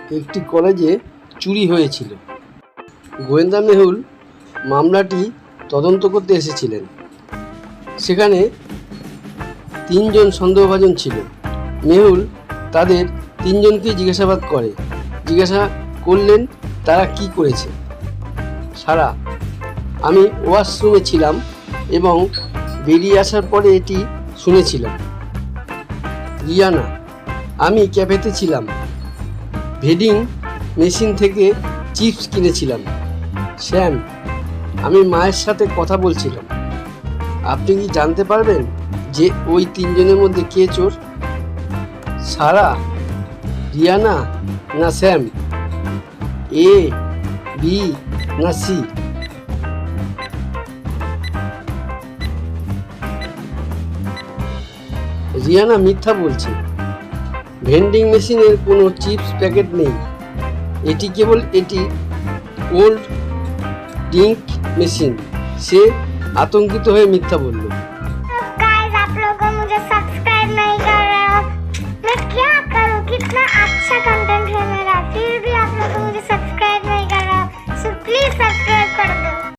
একটি কলেজে চুরি হয়েছিল। গোয়েন্দা মেহুল মামলাটি তদন্ত করতে এসেছিলেন। সেখানে 3 জন সন্দেহভাজন ছিল। মেহুল তাদের 3 জনকেই জিজ্ঞাসাবাদ জিজ্ঞাসা করলেন তারা কি করেছে। সারা: আমি ওয়াশরুমে ছিলাম এবং বেরিয়ে আসার পরে এটি শুনেছিলাম। রিয়ানা: আমি ক্যাফেতে ছিলাম, ভেন্ডিং মেশিন থেকে চিপস কিনেছিলাম। শ্যাম: আমি মায়ের সাথে কথা বলছিলাম। আপনি কি জানতে পারবেন যে ওই 3 জনের মধ্যে কে চোর? সারা: রিয়ানা না শ্যাম? এ, বি না সি? রিয়ানা মিথ্যা বলছে। ভেন্ডিং মেশিনের কোনো চিপস প্যাকেট নেই। এটি ওল্ড ড্রিঙ্ক মেশিন। সে আতঙ্কিত হয়ে মিথ্যা বলল।